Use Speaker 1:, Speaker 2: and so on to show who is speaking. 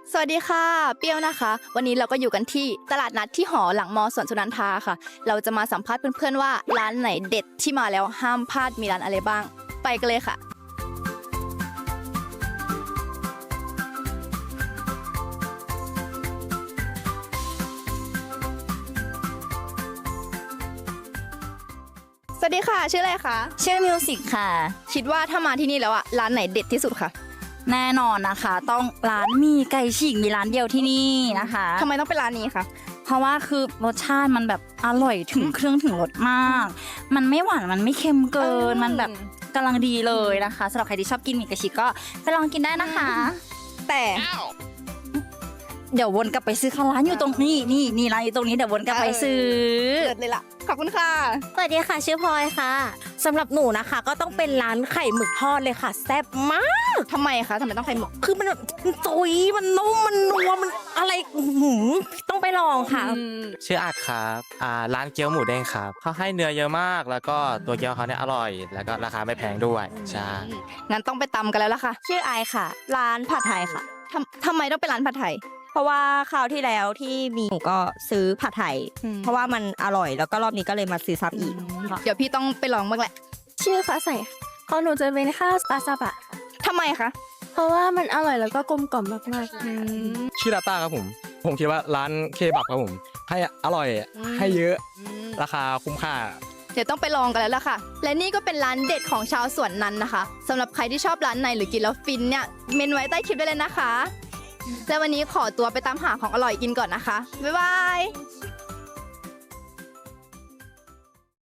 Speaker 1: สวัสดีค่ะเปรี้ยวนะคะ วันนี้เราก็อยู่กันที่ตลาดนัดที่หอหลังมอสวนสุนันทาค่ะ เราจะมาสัมภาษณ์เพื่อนๆว่าร้านไหนเด็ดที่มาแล้วห้ามพลาดมีร้านอะไรบ้าง ไปกันเลยค่ะ สวัสดีค่ะชื่ออะไรคะ
Speaker 2: ชื่อมิวสิกค่ะ
Speaker 1: คิดว่าถ้ามาที่นี่แล้วอะร้านไหนเด็ดที่สุดคะ
Speaker 2: แน่นอนนะคะ ต้องร้านมีไก่ฉีกมีร้านเดียวที่นี่นะคะ
Speaker 1: ทำไมต้องเป็นร้านนี้คะ
Speaker 2: เพราะว่าคือรสชาติมันแบบอร่อยถึงเครื่องถึงรสมาก มันไม่หวานมันไม่เค็มเกินมันแบบกำลังดีเลยนะคะสำหรับใครที่ชอบกินหมี่ไก่ฉีกก็ไปลองกินได้นะคะ
Speaker 1: แต่
Speaker 2: เดี๋ยววนกลับไปซื้อค่ะร้านอยู่ตรงนี้นี่ร้านอยู่ตรงนี้เดี๋ยววนกลับไปซื้อ
Speaker 1: เด็ดเลยล่ะขอบคุณค่ะ
Speaker 3: สวัสดีค่ะชื่อพลอยค่ะสำหรับหนูนะคะก็ต้องเป็นร้านไข่หมึกทอดเลยค่ะแซ่บมาก
Speaker 1: ทำไมคะทำไมต้องไข่หมึก
Speaker 3: คือมันแบบจุยมันนุ่มมันนัวมันอะไรต้องไปลองค่ะ
Speaker 4: ชื่ออัดครับร้านเกี๊ยวหมูเด้งครับเขาให้เนื้อเยอะมาก แล้วก็ตัวเกี๊ยวเขาเนี่ยอร่อย แล้วก็ราคาไม่แพงด้วย ใช่
Speaker 1: งั้นต้องไปตำกันแล้วล่ะค่ะ
Speaker 3: ชื่อไอค่ะ ร้านผัดไทยค่ะ
Speaker 1: ทำไมต้องเป็นร้านผัดไทย
Speaker 3: เพราะว่าคราวที่แล้วที่มีหนูก็ซื้อผัดไทย เพราะว่ามันอร่อยแล้วก็รอบนี้ก็เลยมาซื้อซ้ำอีก
Speaker 1: เดี๋ยวพี่ต้องไปลองบ้างแหละ
Speaker 5: ชื่อฟ้าใสของหนูจะเป็นข้าวปลาซาบะ
Speaker 1: ทำไมคะ
Speaker 5: เพราะว่ามันอร่อยแล้วก็กลมกล่อมมาก
Speaker 6: ชื่อดาต้าครับผมคิดว่าร้านเคบับครับผมให้อร่อยให้เยอะราคาคุ้มค่า
Speaker 1: เดี๋ยวต้องไปลองกันแล้วล่ะค่ะ และนี่ก็เป็นร้านเด็ดของชาวสวนนั้นนะคะสำหรับใครที่ชอบร้านไหนหรือกินแล้วฟินเนี่ยเมนไว้ใต้คลิปได้เลยนะคะ และวันนี้ขอตัวไปตามหาของอร่อยกินก่อนนะคะบ๊ายบาย